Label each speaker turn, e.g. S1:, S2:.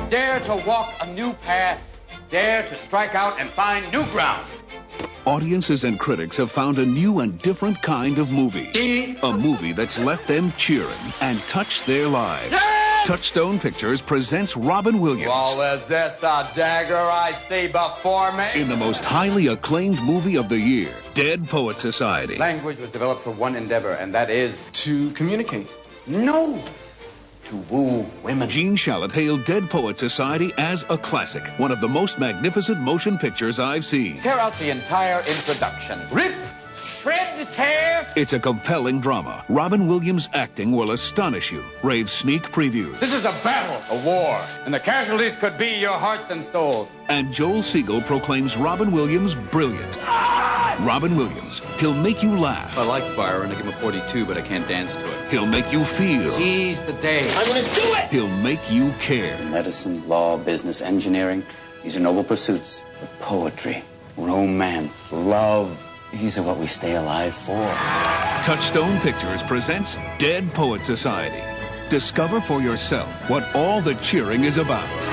S1: Dare to walk a new path. Dare to strike out and find new ground.
S2: Audiences and critics have found a new and different kind of movie. A movie that's left them cheering and touched their lives.
S1: Yes!
S2: Touchstone Pictures presents Robin Williams.
S1: Well, is this a dagger I see before me?
S2: In the most highly acclaimed movie of the year, Dead Poet Society.
S1: Language was developed for one endeavor, and that is...
S3: To communicate.
S1: No! To woo women.
S2: Gene Shalit hailed Dead Poet Society as a classic, one of the most magnificent motion pictures I've seen.
S1: Tear out the entire introduction. Rip! Shred! Tear!
S2: It's a compelling drama. Robin Williams' acting will astonish you. Rave sneak previews.
S1: This is a battle, a war, and the casualties could be your hearts and souls.
S2: And Joel Siegel proclaims Robin Williams brilliant. Robin Williams. He'll make you laugh.
S1: I like Byron. I give him a 42, but I can't dance to it.
S2: He'll make you feel.
S1: Seize the day. I'm gonna do it!
S2: He'll make you care.
S4: Medicine, law, business, engineering, these are noble pursuits. But poetry, romance, love, these are what we stay alive for.
S2: Touchstone Pictures presents Dead Poet Society. Discover for yourself what all the cheering is about.